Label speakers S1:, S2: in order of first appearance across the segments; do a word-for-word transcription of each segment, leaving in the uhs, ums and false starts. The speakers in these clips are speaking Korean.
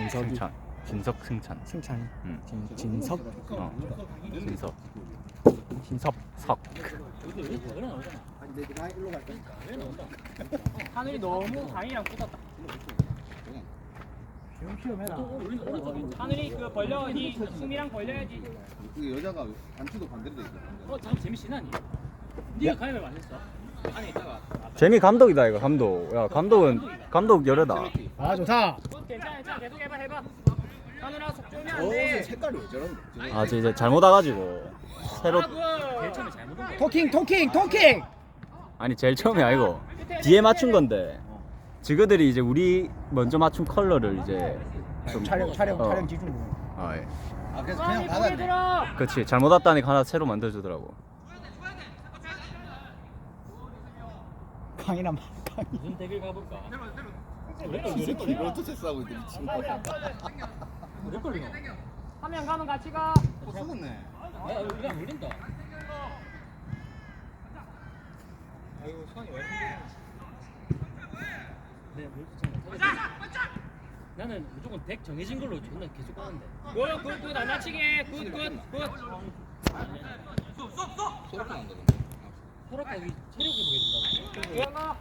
S1: 진석이.
S2: 승찬. 진석 승찬.
S1: 승찬이.
S2: 응.
S1: 진, 진석.
S2: 어. 진석.
S1: 진섭.
S2: 석.
S3: 하늘이 너무 강이랑 붙었다.
S1: 시험해라.
S3: 하늘이 그 벌려야지. 수미랑 벌려야지.
S4: 그 여자가 안추도 반대로 돼 있어.
S3: 어, 잠 재미씨나니? 네가 가위를 만했어. 안에 있다가.
S2: 재미 감독이다 이거 감독. 야 감독은 감독 여려다.
S1: 아 좋다.
S3: 괜찮아, 괜찮아. 계속 해봐, 해봐. 하늘아 속 쫄면 안
S4: 저
S3: 돼.
S4: 색깔이 왜 저런데?
S2: 아 저 이제 잘못 와가지고 새로.
S3: 아, 그 제일 처음에 잘못 온 게.
S1: 토킹 토킹 토킹.
S2: 아니 제일 처음이 아니고 뒤에 맞춘 건데 지그들이 이제 우리 먼저 맞춘 컬러를 이제 좀
S1: 촬영 촬영
S2: 어.
S1: 촬영 기준.
S2: 아 예.
S4: 아 그래서
S3: 수환이
S4: 그냥
S3: 고개
S4: 받았네.
S3: 들어.
S2: 그렇지 잘못 왔다니까 하나 새로 만들어주더라고.
S1: 강이나 강이.
S3: 무슨 대결 가볼까?
S4: 이 새끼 롤토체 싸고 있대 미친 거.
S3: 몇 걸리노? 한 명 가면 같이 가.
S4: 어 속었네.
S3: 아, 이거 안 물린다. 아이고, 수환이 왜 이렇게 네, 나는 무조건 덱 정해진 걸로 존나 계속 가는데. 굿, 굿, 굿, 안 다치게. 굿, 굿, 굿.
S4: 소라카 난다 근데.
S3: 소라카 여기 체력 회복해준다고.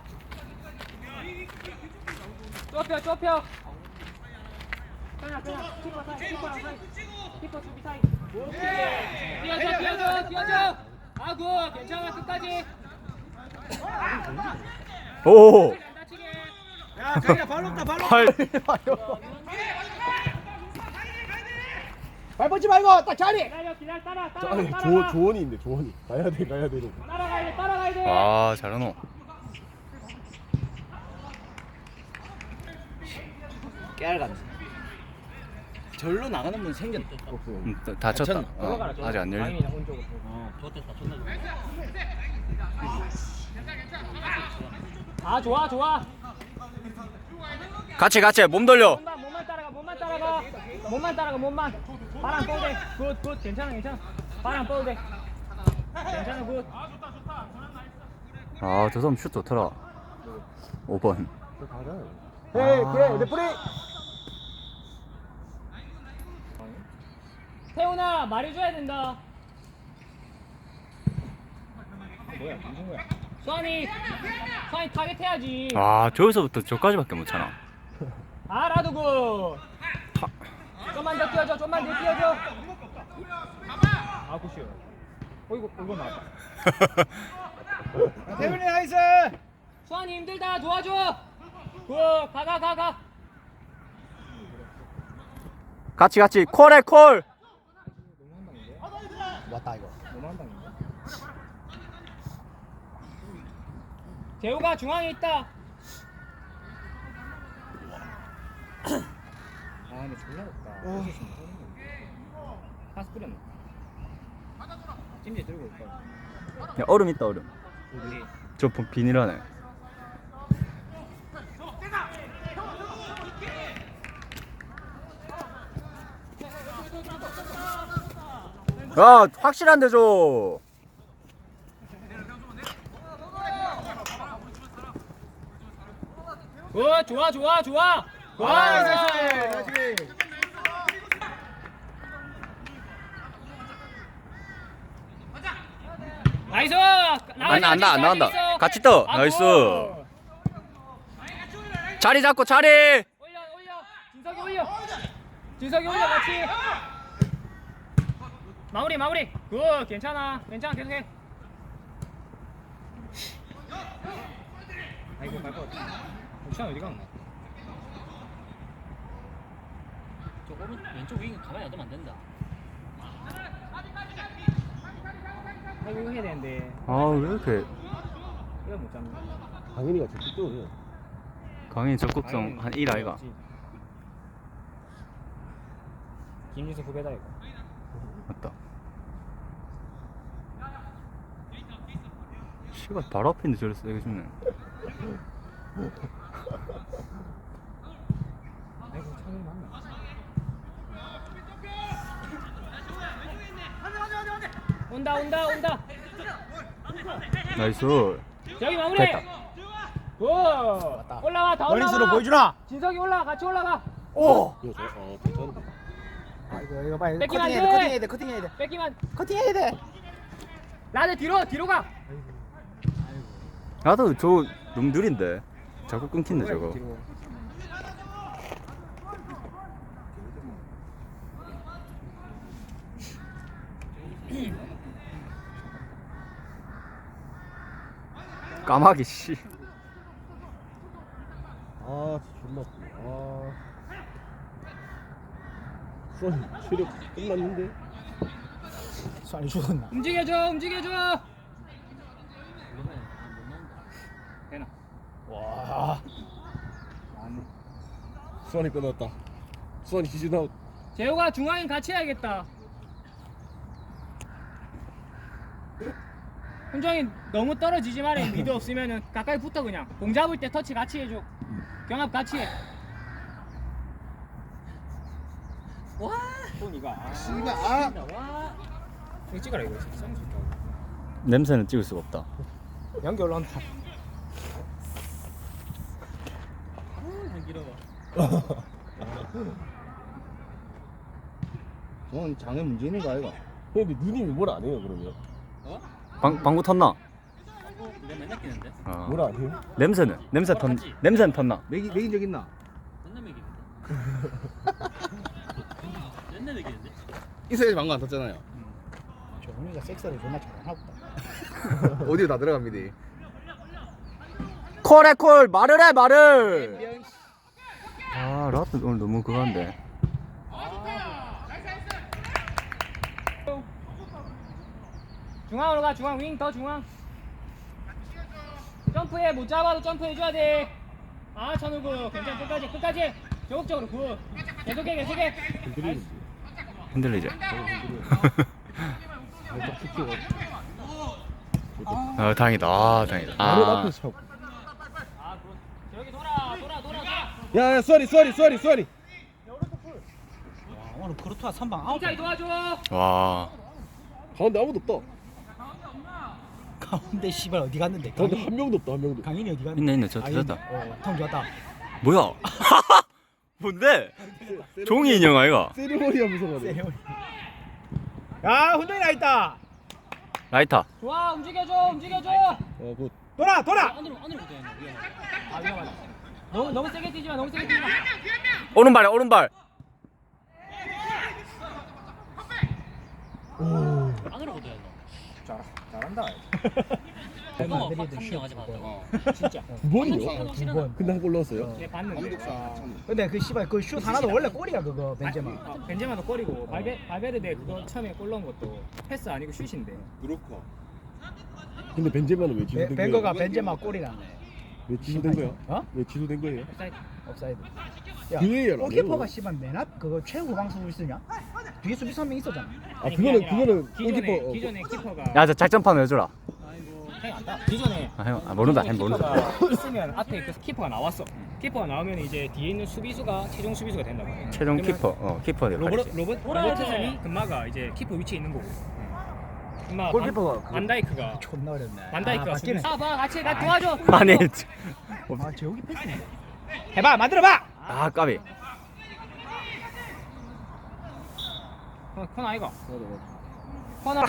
S3: 좁혀, 좁혀. 그냥, 그냥. 키퍼 사이, 키퍼랑 사이. 키퍼 수비 사이. 오케이. 뛰어줘, 뛰어줘, 뛰어줘. 아, 굿. 괜찮아, 끝까지.
S2: 오.
S3: 안 다치게.
S1: 야 강이나 발로 없다 발로.
S2: 팔.
S1: 발 뻗지 말고 딱 자리.
S3: 기다려, 기다려, 따라, 따라,
S5: 아니
S3: 따라가.
S5: 조 조원이 있는데 조원이 가야 돼 가야 돼.
S3: 따라가야 돼, 따라가야 돼.
S2: 아 잘하노.
S1: 깨알같네. 절로 나가는 분 생겼네.
S2: 음, 또 다쳤다.
S1: 다쳤나?
S2: 어, 아직 안 열려.
S3: 어, 좋았다, 좋나 아, 좋아, 좋아.
S2: 같이 같이 몸 돌려.
S3: 몸만, 몸만 따라가, 몸만 따라가. 몸만 따라가, 몸만. 바람 뻗어 돼. 굿, 굿, 괜찮아, 괜찮아. 바람 뻗어 돼. 괜찮아, 굿.
S2: 아저 사람 슛 좋더라. 오 번.
S1: 헤이 그래 레프리.
S3: 태훈아, 말해줘야 된다.
S1: 뭐야 무슨 거야?
S3: 수환이, 수환이 타겟 해야지.
S2: 아 저기서부터 저까지밖에 못 차나.
S3: 아, 라도 굿. 좀만 더 뛰어줘, 좀만 더 뛰어줘. 아, 굿이요. 어, 이거, 이거 나왔다.
S1: 태훈이 나이스.
S3: 수환이 힘들다, 도와줘. 굿, 가, 가, 가, 가.
S2: 같이 같이 콜해 콜.
S1: 왔다 이거. 너무 한 방인데.
S3: 재우가 중앙에 있다.
S1: 아 근데 졸라 없다. 파스 뿌렸네. 찜질 들고 올까?
S2: 야, 얼음 있다 얼음.
S1: 우리
S2: 저 비- 비닐하네. 야 확실한데 줘.
S3: 굿, 좋아, 좋아, 좋아. 굿.
S1: 아 나이스 나이스.
S3: 나이스.
S2: 안 나- 안 나- 안 나간다. 같이 떠. 나이스. 자리 잡고 자리.
S3: 올려, 올려. 진석이 올려. 진석이 올려, 같이. 마무리, 마무리. 굿, 괜찮아. 괜찮아, 계속해. 아이고, 갈 것 같아. 우찬 어디 갔나? 저 오른 왼쪽 윙 가만히 놔두면 안 된다. 아이고, 이거 해야 되는데.
S2: 아 왜 이렇게
S3: 이거 못 잡네.
S5: 강인이가 적극적으로 해.
S2: 강인 적극성 한 일 아이가.
S3: 김진수 후배다 이거.
S2: 맞다. 씨발 바로 앞인데 저래 세게 죽네.
S3: 아이고, 창이 맞나? 온다, 온다, 온다.
S2: 나이스.
S3: 저기 마무리.
S2: 됐다.
S3: 굿. 올라와, 다 올라와.
S1: 원리스로 보여주나?
S3: 진석이 올라가, 같이 올라가.
S5: 오! 이거 저, 어, 괜찮은데.
S6: 아 이거 이거 빨리
S3: 뺏기면
S6: 커팅해야
S3: 안
S6: 돼
S3: 돼.
S6: 커팅해야 돼 커팅해야 돼
S3: 뺏기만.
S6: 커팅해야 돼.
S3: 나는 뒤로 뒤로 가.
S2: 나도 저 너무 느린데 자꾸 끊긴데 저거.
S1: 뒤로.
S2: 까마귀 씨.
S5: 아, 진짜 존나 아프네. 아. 수원 체력 끝났는데?
S6: 수환이 죽었나?
S3: 움직여줘 움직여줘. 되나?
S6: 와.
S5: 수원이 끝났다. 수원이 시즌 아웃.
S3: 재호가 중앙인 같이 해야겠다. 훈정이 너무 떨어지지 말아. 미드 없으면은 가까이 붙어 그냥. 공 잡을 때 터치 같이 해줘. 경합 같이 해. 와.
S1: 손이가. 아,
S4: 씨발 아
S3: 와.
S1: 이거 찍어라 이거. 쌍수 있다고.
S2: 냄새는 찍을 수가 없다.
S6: 연기 올라온다.
S4: 저건 장애 문제 있는 거 아이가?
S5: 근데 누님이 뭘 안 해요, 그러면?
S2: 방 방구 텄나?
S3: 내가 맨날 끼는데.
S2: 어.
S5: 뭘 안 해요?
S2: 냄새는 냄새 턴 냄새는 텄나?
S4: 매기 매긴 적 있나?
S3: 맨날 먹이는데. 맨날 먹이는데.
S4: 이세이 방금 안 탔잖아요.
S6: 정훈이가 섹스를 존나 잘하고.
S4: 어디에 다 들어갑니다.
S2: 콜해 콜 말을 해 말을. 아 라트 오늘 너무 그거한데.
S3: 중앙으로 가. 중앙 윙 더 중앙. 점프해. 못 잡아도 점프해줘야 돼. 아 천우구 괜찮아. 끝까지 끝까지. 적극적으로 굿. 계속해 계속해.
S5: 흔들리는데.
S2: 흔들리지.
S5: 살짝 킥해가.
S2: 아 다행이다. 아 다행이다.
S5: 바로
S2: 아
S5: 앞에서 차고.
S3: 아 굿. 여기 돌아 돌아 돌아 돌아.
S5: 야, 야, 수원이, 수원이, 수원이, 수원이.
S6: 와, 오늘 크루트와 선방 아웃.
S3: 인사이 도와줘.
S2: 와.
S5: 가운데 아무도 없다.
S6: 가운데 씨발 어디 갔는데?
S5: 가운데
S6: 강인,
S5: 한 명도 없다, 한 명도.
S6: 강인이 어디 갔는데?
S2: 있네 있네 저
S6: 아,
S2: 들었다.
S6: 어, 통 좋았다.
S2: 뭐야? 뭔데? 종이 인형 아이가?
S5: 세리머니 하면서 가네.
S6: 세레모니. 야, 훈정이 나 있다.
S2: 라이터.
S3: 좋아 움직여줘 움직여줘.
S5: 어, 굿.
S6: 돌아, 돌아.
S3: 안으로 안으로 붙어야 돼. 위험하다. 아 위험하다. 너무 너무 세게 뛰지 마. 너무 세게 뛰지 마.
S2: 오른발에 오른발.
S3: 안으로 붙어야 돼.
S1: 잘 잘한다.
S3: 잠깐만
S6: 내리던
S3: 확
S6: 슛
S3: 합류하지 마.
S1: 어, 진짜.
S5: 두 번이요?
S3: 한국
S6: 두 번.
S5: 근데 한 골 넣었어요?
S3: 얘 봤는데.
S4: 감독사
S3: 아,
S4: 참.
S6: 근데 그 씨발 그 슛 하나도 원래 골이야 그거 벤제마.
S3: 아, 벤제마도 골이고 발베 발베르데 그거 처음에 골 넣은 것도 패스 아니고 슛인데.
S4: 그렇고.
S5: 근데 벤제마는 왜
S6: 베-
S5: 취소된 거야?
S6: 벤거가 벤제마 골이라네.
S5: 왜 취소된 거야?
S6: 어?
S5: 왜 취소된 거예요?
S3: 옵사이드.
S6: 옵사이드. 야,
S5: 그거예요,
S6: 골키퍼가
S5: 라디오.
S6: 씨발 맨 앞 그거 최고 방송을 쓰냐? 뒤에 수비 선명 있었잖아.
S5: 아, 그거는, 그거는
S3: 기존에
S5: 골키퍼. 어,
S3: 기존에 키퍼가.
S2: 야 저 작전판 해줘라.
S3: 아이고 행 안다. 기존에.
S2: 아, 형, 아 모른다 형 모른다.
S3: 키퍼가 있으면 앞에 그 키퍼가 나왔어. 키퍼가 나오면 이제 뒤에 있는 수비수가 최종 수비수가 된다고.
S2: 최종
S3: 그러면
S2: 키퍼 어 키퍼
S3: 로버트
S2: 역할이지.
S3: 로버트 로버트슨이 금마가 이제 키퍼 위치에 있는 거고. 금마
S6: 골키퍼가 그거-
S3: 반다이크가
S6: 존나 어렵네.
S3: 반다이크가
S6: 아,
S3: 수비.
S6: 바뀌네.
S3: 아, 봐 같이 나 도와줘.
S2: 아니
S6: 아, 제욱이 패스인데. 해봐, 만들어봐.
S2: 아 까비.
S3: 어, 코너 아이가. 코너.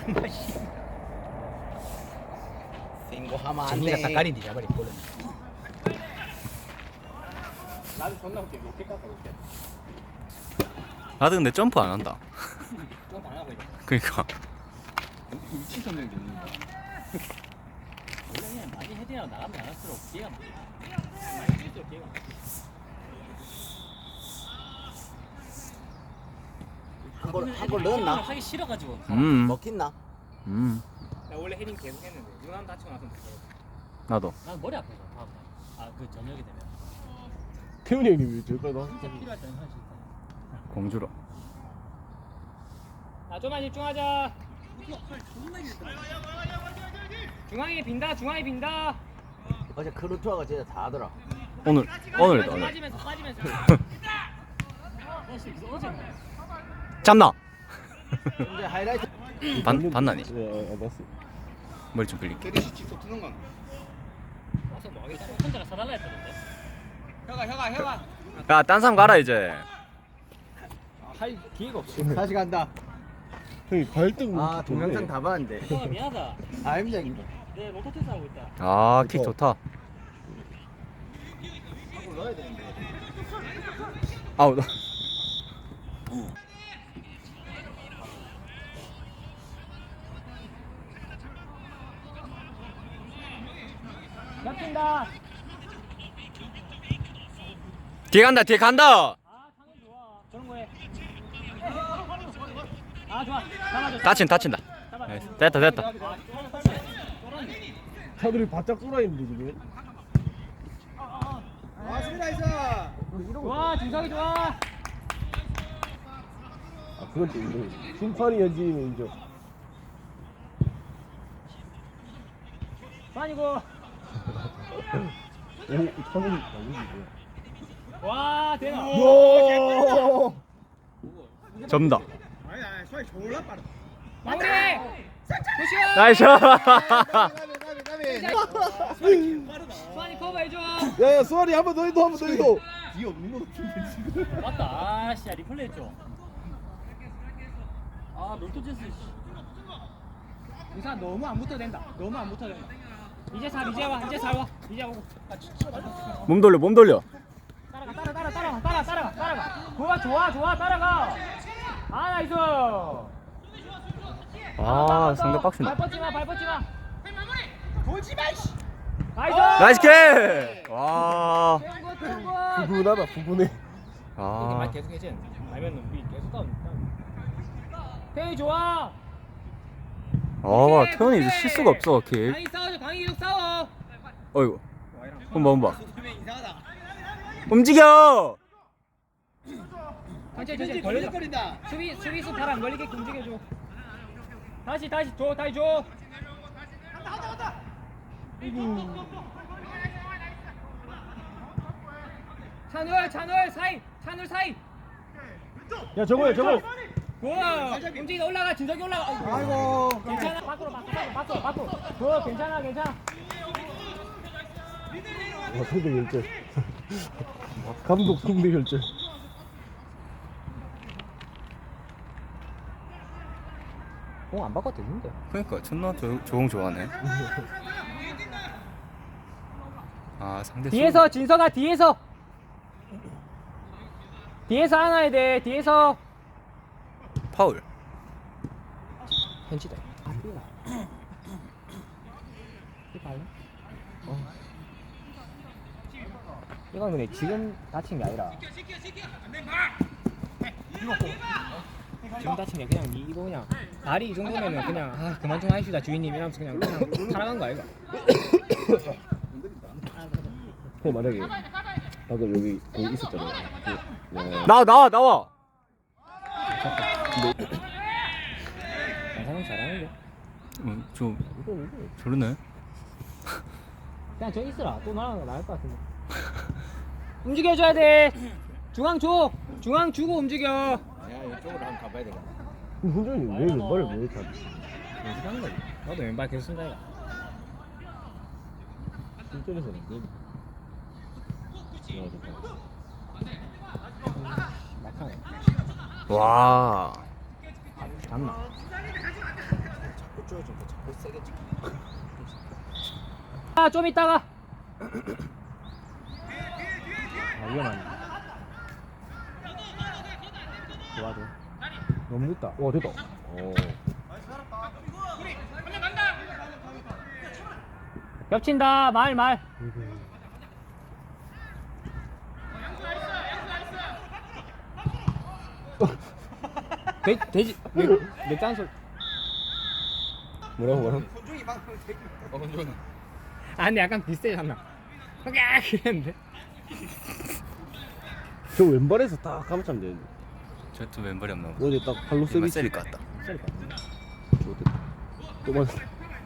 S6: 생고 하면 안 돼. 닭가리 뒤져버리 골은.
S3: 나도 존나 웃겨. 로켓 깎아 로켓.
S2: 나도 근데 점프 안 한다.
S3: 점프 안 하고 있어.
S2: 그러니까.
S4: 위치 선정이 되는 거.
S3: 원래 그냥 많이 헤딩하고 나가면 나갈수록 기회가 많아. 많이 뛸수록 기회가 많아.
S6: 한골 넣었나?
S3: 하기 싫어가지고.
S2: 음.
S6: 먹힌나?
S2: 음.
S3: 나 원래 헤딩 계속 했는데 누나는 다치고 나서 못해.
S2: 나도.
S3: 난 머리 아파서 다음 날. 아그 저녁이 되면.
S5: 태훈이 형님 왜 저기까지 나?
S3: 진짜 필요할 때는 할 수 있다.
S2: 공주로.
S3: 아 좀만 집중하자. 중앙이 빈다. 중앙이 빈다.
S6: 어제 크루트와가 진짜 다 하더라.
S2: 오늘 오늘이다 오늘.
S3: 빠지면서 빠지면서. 어제
S2: 잡나?
S6: 이제 하이라이트.
S2: 반 반나니.
S5: 예, 아, 봤어.
S2: 머리 좀 빌릴게.
S4: 캐리시 직접 트는 거.
S3: 와서 뭐 하겠다. 혼자가 사달라 했다던데. 혀가 혀가 혀가.
S2: 야딴 사람 가라 이제.
S3: 살 기회가 없어.
S1: 다시 간다.
S5: 형이 발등.
S1: 아 동영상 다 봤는데.
S3: 어, 미안하다.
S1: 아 힘들다.
S3: 내 로터 테스트 하고 있다.
S2: 아, 킥 좋다. 아우. 나-
S3: 겹친다.
S2: 뒤에 간다. 뒤에 간다.
S3: 아, 상은 좋아. 저런 거 해. 아, 좋아. 잡아줘.
S2: 다친 다친다.
S3: 잡아.
S2: 나이스. 됐다 됐다.
S5: 차들이 바짝 쏠아 있는데 지금.
S1: 아 수비 나이스.
S3: 좋아, 준석이 좋아.
S5: 아 그건 또 인정. 심판이 연지면 인정.
S3: 아니고.
S5: 오 차들이 나오지.
S3: 와, 대박.
S5: 요.
S2: 접니다.
S1: 아니 아니 수비 졸라 빠르.
S3: 마무리. 조시아.
S2: 나이스.
S3: 수환이 커버해줘.
S5: 야야 수아리 한번 더 해도 한번 더 해도.
S1: 뒤 없는 거 같은데 지금.
S3: 맞다. 아, 씨, 리플레이 했죠. 아, 롤토제스. 이사 너무 안 붙어도 된다. 너무 안 붙어도 된다. 이제 살, 이제 와, 이제 살 와, 이제 오고.
S2: 몸 돌려 몸 돌려.
S3: 따라가, 따라, 따라, 따라, 따라, 따라가, 따라가. 좋아, 좋아, 좋아, 따라가. 아, 나이스.
S2: 아, 상대 빡신다.
S3: 발 뻗지 마, 발 뻗지 마. 돌지 마, 씨. 나이스.
S2: 나이스 킥. 와.
S3: 태운 거, 태운 거.
S5: 부분하다 부분해.
S2: 아.
S3: 계속 해지. 아니면 우리 계속 다운. 태희 좋아.
S2: 아, 태훈이 이제 실수가 없어 킥.
S3: 강희 싸워줘, 강희 계속 싸워.
S2: 어이구. 한번 한번. 움직여.
S3: 천천히, 천천히 걸려. 수비, 수비수 발안 걸리게 움직여줘. 다시, 다시 줘, 다시 줘. 찬울, 찬울 사이, 찬울 사이.
S5: 야 저거야 저거.
S3: 우와, 움직이다 올라가, 진석이 올라가. 아이고, 괜찮아. 밖으로, 밖으로, 밖으로, 밖으로. 그 괜찮아, 괜찮아.
S5: 아 상대 결절. 감독 상대 결절.
S3: 공안 바꿔도 되는데.
S2: 그러니까 존나 조, 조공 좋아하네. 아, 상대
S3: 뒤에서 진석아, 뒤에서. 뒤에서 안아야 돼, 뒤에서.
S2: 수- 파울.
S3: 현지다. 이건 근데 지금 다친 게 아니라 지금 다친 게 그냥 이- 이거 그냥 다리 이 정도면은 그냥 아 그만 좀 하시다 주인님 이러면서 그냥 그냥 살아간 거 아이가?
S5: 형 만약에 방금 여기 거기 있었잖아. 그, 와.
S2: 나와 나와 나와.
S3: 양상은 잘하는데
S2: 음, 좀
S3: 이거 이거
S2: 저러네.
S3: 그냥 저 있으라 또 나가는 거 나을 것 같은데 움직여줘야 돼 중앙 줘 중앙 주고 움직여
S1: 야 이쪽으로 한번 가봐야 되겠다.
S5: 훈련이 왜 왼발을 왜 이렇게 하지?
S3: 연습하는 거지 나도 왼발 계속 쓴다 이가
S5: 실전에서는 게임. 아 좋다.
S3: 막하네
S2: 와.
S3: 잡나
S1: 자꾸 쪼여준다. 자꾸 세게 찍.
S3: 아 좀 이따가 아 위험하네 도와줘
S5: 너무 늦다. 와 됐다. 어.
S3: 겹친다 말 말 돼, 돼지 내 짠솔
S5: 뭐라고 뭐라고?
S1: 어 건조는.
S3: 아 근데 약간 비슷해졌나 야 그랬는데
S5: 저 왼발에서 딱 감으면 되는데.
S2: 저또 왼발이 없나 보다.
S5: 어제 딱 발로
S2: 이만
S5: 세비치.
S2: 세릴 것 같다.
S5: 또 맞.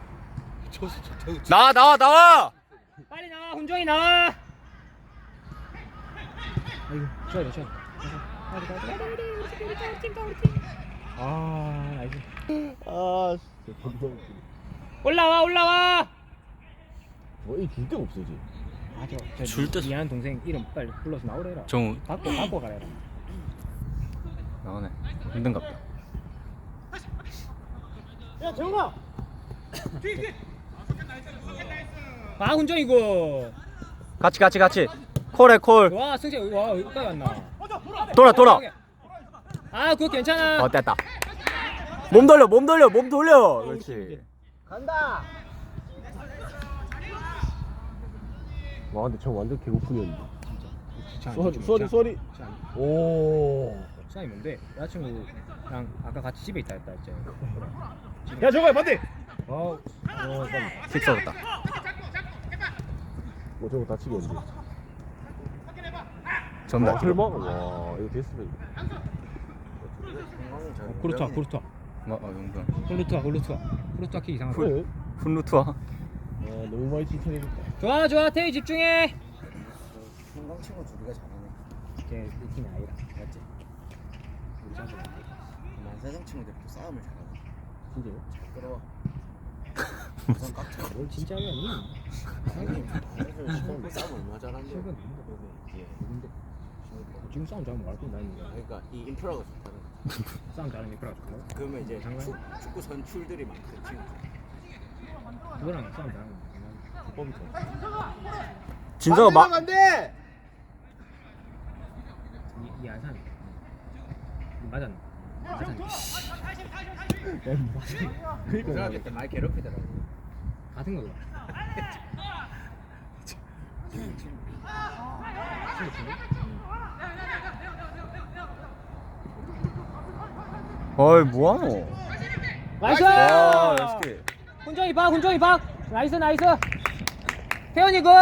S2: 나와 나와 나와.
S3: 빨리 나와 훈종이 나와 아이고 줘야 돼 줘야 돼 아 나이스
S5: 아 진짜 겁나 웃기네.
S3: 올라와 올라와
S5: 어이 줄 데가 없어 이제.
S3: 맞아
S2: 줄 때-
S3: 미안한 동생 이름 빨리 불러서 나오래라
S2: 정우.
S3: 바꿔 바꿔 가래라
S2: 나오네. 힘든갑다.
S3: 아 훈정이고.
S2: 같이 같이 같이. 콜해 콜.
S3: 와 승재 와 여기까지 왔나.
S2: 돌아 돌아.
S3: 아 그거 괜찮아.
S2: 어 됐다. 몸 돌려 몸 돌려 몸 돌려. 그렇지.
S5: 와 근데 저 완전 개고픈이었는데.
S3: 진짜.
S5: 쏘리 쏘리 쏘리. 오.
S3: 시간이 뭔데? 여자친구랑 아까 같이 집에 있다 했다 했지.
S5: 야 저거야 반대.
S3: 어. 어.
S2: 킥 쏘았다.
S5: 뭐 저거 다치겠는데.
S2: 전달.
S5: 와 설마? 와 이거 됐으면.
S3: 쿠르투아 쿠르투아.
S2: 뭐 어, 용돈.
S3: 쿠르투아 쿠르투아. 쿠르투아 킥 이상하다.
S5: 그래?
S2: 훈루투아.
S5: 와 너무 많이 칭찬해줬다.
S3: 좋아 좋아 태희 집중해.
S4: 한강 친구 둘이가 잘하네.
S3: 걔 팀이 아니라 맞지?
S4: 만사장 친구들도 싸움을 잘하네.
S5: 진짜요?
S4: 잘 끌어와. 우선 깍차.
S3: 뭘 진짜로 아니?
S4: 형님 싸움 얼마나 잘하는데.
S3: 최근
S4: 예.
S3: 누군데? 지금 싸움 잘하면 말고 나는
S4: 그러니까 이 인프라가 좋다는 거.
S3: 싸움 잘하는 니프라 좋다고?
S4: 그러면 이제
S3: 장난?
S4: 축, 축구 선출들이 많거든 지금.
S3: 그거랑 싸움 잘하는 거
S5: 법이 좋아.
S2: 진서가 막.
S6: 안돼.
S3: 이, 이 안산 맞았나? 맞았나?
S4: 고등학교 때 많이 괴롭히더라고.
S3: 같은 거구나.
S2: 어이 뭐하노?
S3: 나이스!
S2: 와 역시.
S3: 훈정이 박, 훈정이 박. 나이스, 나이스. 태현이 굿.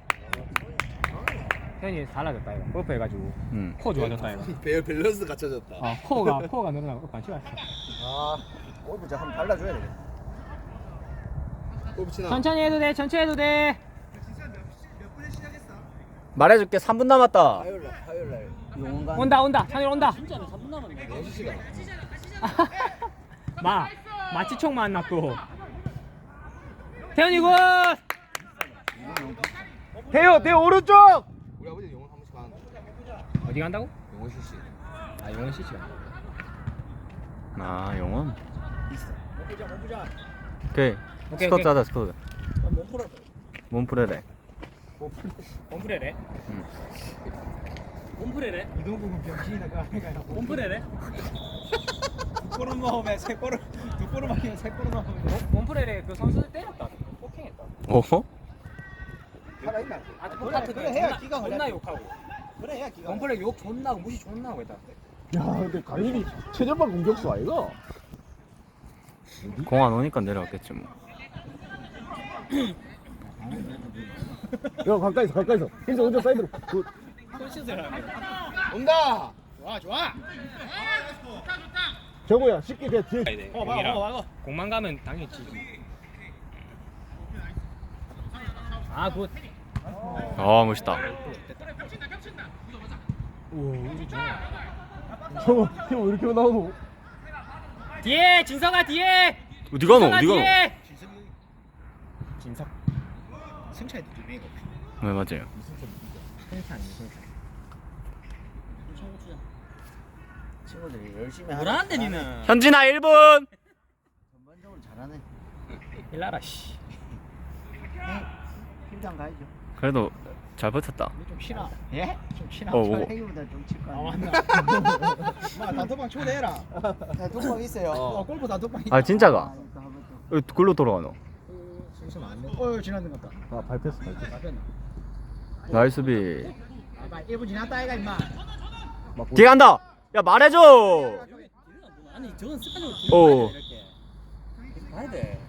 S3: 태현이 달라졌다 이거. 골프 해가지고
S2: 음.
S3: 코 좋아졌다 이거.
S4: 배 밸런스 갖춰졌다.
S3: 어, 코가 코가 늘어나고 관심 왔어.
S4: 아, 골프 저 한번 발라줘야 되겠다. 골프 치나?
S3: 천천히 해도 돼, 천천히 해도 돼.
S2: 말해줄게 삼 분 남았다.
S4: 화요일 날, 화요일 날 용원관.
S3: 온다, 온다. 찬일 온다.
S4: 진짜는 삼 분 남았는데 여섯 시간.
S3: 마, 마치총 만났고. 태현이 굿.
S6: 대요 대요 오른쪽.
S4: 우리 아버지 용원 한 번씩 가는데.
S3: 어디 간다고?
S4: 용원 실시.
S3: 아, 용원 씨씨 간다.
S2: 아 영원.
S4: 있어. 먹보자, 먹보자.
S2: 오케이.
S3: 오케이,
S2: 스쿼트
S3: 오케이.
S2: 하자 스쿼트.
S4: 몸 풀어.
S2: 몸풀래래.
S3: 홈프레래?
S2: 응.
S3: 홈프레래?
S6: 이동국은 병신이다 그 아이가.
S3: 홈프레래?
S6: 두 골을 넣으면 세 골을 두 골을 막히면 세 골을 넣으면 돼.
S3: 홈프레래 그 선수들 때렸다. 폭행했다.
S2: 어?
S6: 살아있나?
S3: 아,
S6: 그래,
S3: 똑같은
S6: 그래 해야 기가
S3: 존나
S6: 걸려.
S3: 욕하고.
S6: 그래 해야 기가.
S3: 홈프레 욕 존나 하고 무시 존나 하고 했다.
S5: 야 근데 강일이 최전방 공격수 아이가?
S2: 공 안 오니까 내려왔겠지 뭐.
S5: 야 가까이서 가까이서. 힘써 혼자 사이드로. 굿.
S3: 손짓을 하네.
S6: 온다. 좋아 좋아.
S5: 정우야 쉽게 그냥 뒤에.
S6: 어 막어 막어 막어.
S3: 공만 가면 당연히 지지. 아 굿.
S2: 아 멋있다.
S3: 오 우리 좋아.
S5: 정우 팀왜 이렇게 나오노?
S3: 뒤에 진성아 뒤에.
S2: 어디 가노?
S3: 진성아
S2: 어디 가노?
S3: 뒤에.
S6: 진석. 승차에도 두 명이고.
S2: 네 맞아요.
S3: 승찬 승찬.
S4: 친구들이 열심히 하는.
S3: 뭐라는데 니는?
S2: 현진아 일 분.
S4: 전반적으로 잘하네.
S3: 일나라 씨.
S4: 팀장 가야죠.
S2: 그래도 잘 버텼다.
S4: 좀 쉬나? 예? 좀 쉬나?
S2: 어, 어.
S4: 행위보다 좀 칠 거야.
S6: 아 맞나. 마 단톡방 초대해라.
S4: 야, 독방 있어요.
S6: 어 골프 단톡방 있다.
S2: 아 진짜가?
S4: 아, 이거 한번 좀.
S2: 왜 글로 돌아가노?
S3: 승수 안 돼.
S6: 어 지났는 것 같다.
S5: 아 밟혔어 밟혔어.
S6: 맞았나?
S2: 나이스 비.
S6: 아 일 분 지났다 아이가 임마.
S2: 뒤에 간다. 야 말해줘.
S3: 아니 저건 습관적으로
S2: 어.
S3: 이렇게. 봐야 돼.